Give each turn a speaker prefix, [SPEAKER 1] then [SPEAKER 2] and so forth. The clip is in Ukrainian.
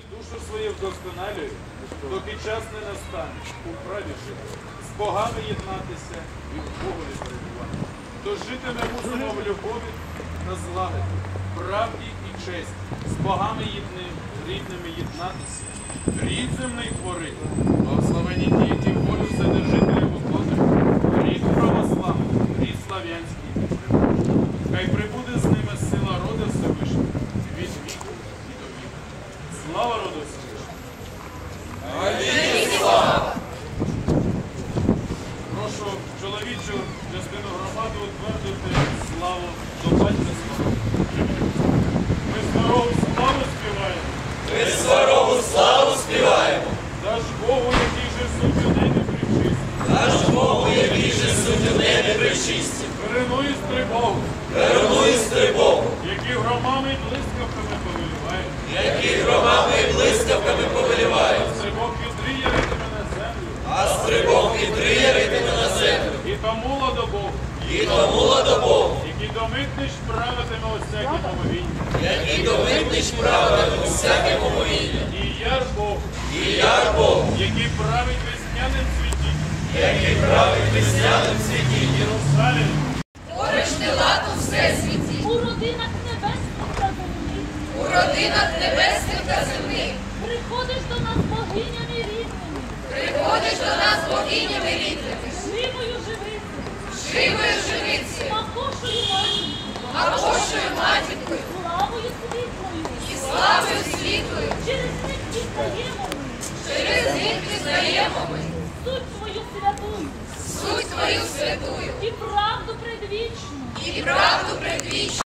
[SPEAKER 1] душу свою вдосконалює, доки час не настане, у праві жити, з богами єднатися і в Богові перебувати. То жити ми мусимо в любові та злагоді, правді і честі, з богами рідними єднатися, рід земний творити, благословені ті, які волю вседержителя виконують, рід православний, рід слав'янський. Хай прибуде з ними сила рода Всевишнього від віку і до віку. Слава роду Всевишнього! Прошу чоловічу частину громади утвердити славу до батька свого. Ми здорову славу співаємо.
[SPEAKER 2] Ми здорову славу співаємо.
[SPEAKER 1] Даж Богу, який же суть у небі причисті.
[SPEAKER 2] Даж Богу, який же суть у небі причисті.
[SPEAKER 1] Перенуй стрибогу.
[SPEAKER 2] Перенуй стрибогу.
[SPEAKER 1] Які громами і блискавками повелівають.
[SPEAKER 2] Які громами і блискавками повелівають.
[SPEAKER 1] Стрибок вітри яритиме на землю.
[SPEAKER 2] А стрибок вітри яритиме на землю.
[SPEAKER 1] І тому ладобог.
[SPEAKER 2] І тому ладобог.
[SPEAKER 1] Який домитнич правитиме у всякій помовінні.
[SPEAKER 2] Який домитнич правитиме у всяке помовіння.
[SPEAKER 1] І яр Бог.
[SPEAKER 2] І яр Бог.
[SPEAKER 1] Який править весняним цвітінням.
[SPEAKER 2] Який править весняним цвітінням.
[SPEAKER 1] Єрусалим.
[SPEAKER 3] Твориш ти лад у всесвіті,
[SPEAKER 4] У родинах небесних та земних,
[SPEAKER 3] у родинах небесних та земних.
[SPEAKER 4] приходиш до нас богинями рідними,
[SPEAKER 3] Приходиш до нас богинями рідними,
[SPEAKER 4] живою живицею,
[SPEAKER 3] живою живицею,
[SPEAKER 4] макошою матінкою,
[SPEAKER 3] Апошою матінкою
[SPEAKER 4] славою світлою.
[SPEAKER 3] і славою світлою.
[SPEAKER 4] Через них пізнаємо ми
[SPEAKER 3] Через них пізнаємо ми
[SPEAKER 4] суть твою святую
[SPEAKER 3] суть твою святую
[SPEAKER 4] і правду предвічну.
[SPEAKER 3] і правду предвічну.